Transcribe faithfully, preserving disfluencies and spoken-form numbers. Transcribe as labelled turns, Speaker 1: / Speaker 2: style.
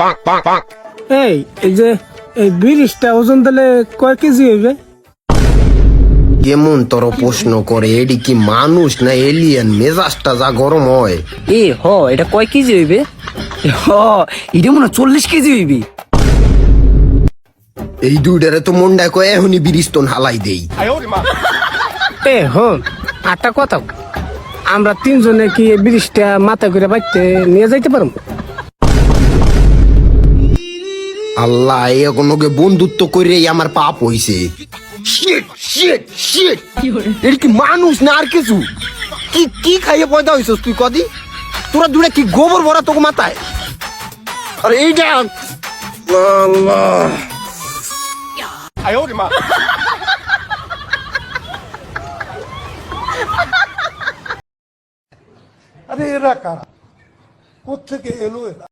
Speaker 1: এই এই যে এই ব্রিজটা ওজন দিলে কয় কেজি হইবে?
Speaker 2: কেমন তোর প্রশ্ন করে, এডি কি মানুষ না এলিয়েন? মেজাজটা যা গরম হয়।
Speaker 3: এ হ এটা কয় কেজি হইবে? হ এটা মনে হয় চল্লিশ কেজি হইবে।
Speaker 2: এই দুইটারে তো মন্ডা কয় এখনই বিরিস্তন হালাই দেই।
Speaker 1: এ হন আটটা কথা, আমরা তিনজনে কি এই ব্রিজটা মাথা করে বাইতে নিয়ে যাইতে পারবো?
Speaker 2: আল্লাহ, এগুলোকে বন্ধুত্ব করে আমার পাপ হইছে। শিট শিট শিট, এর কি মানুষ না আর কিছু? কি কি খাইয়ে পয়দা হইছস তুই? কদি তোরা দুটা কি গোবর ভরা তোকে মাথায়? আরে এইটা আল্লাহ,
Speaker 4: আরে এরা কারা, কোথেকে এলো এরা?